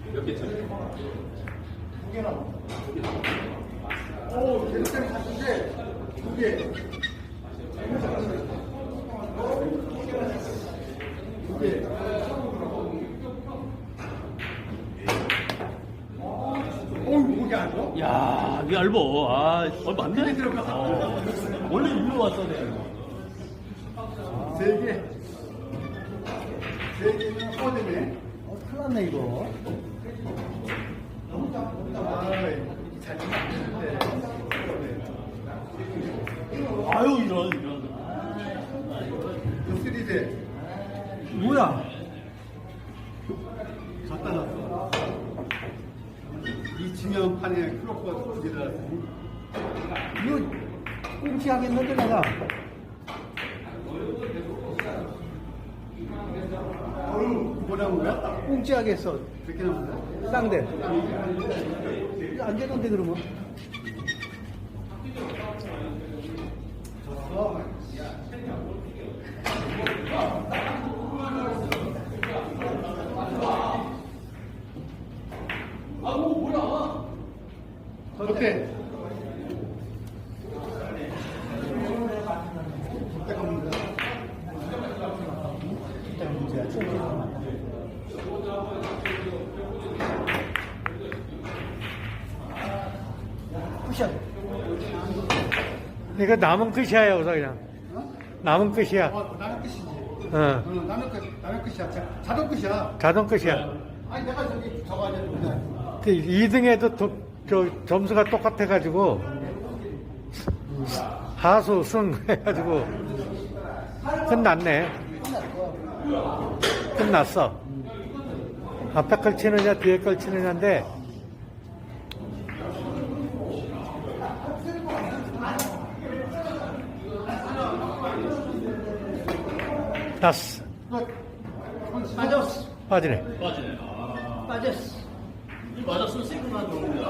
몇 개 차례? 두 개 남았다. 오, 재밌게 갔는데 두 개. 두 개. 오, 이게 안 돼? 야, 이게 얇어. 아, 맞네? 원래 일로 왔어야 돼. 세 개. 세 개면 꺼지네. 큰일 났네, 이거. 잘 치는데. 아유, 이런. 쓰리대. 뭐야? 갖다 놨어. 이 지면판에 클로커가 두개 들어갔으니. 이거 꽁치하겠는데, 내가. 어휴, 뭐 나온 거야? 꽁치하겠어. 그렇게 나온 거야? 쌍대. 안 되는데, 그러면. 어. 어때? 끝이야. 이거 남은 끝이야, 여기서 그냥. 어? 남은 끝이야. 나는 끝이지. 어. 나는 끝이야. 자동 끝이야. 자동 끝이야. 아니, 내가 저기 저거 하자. 그냥. 2등에도 점수가 똑같아가지고, 하수, 승 해가지고, 끝났네. 끝났어. 앞에 걸 치느냐, 뒤에 걸 치느냐인데, 났어. 빠졌어. 빠지네. 빠지네. 빠졌어. 이 맞았으면 세금만 넣는 거야.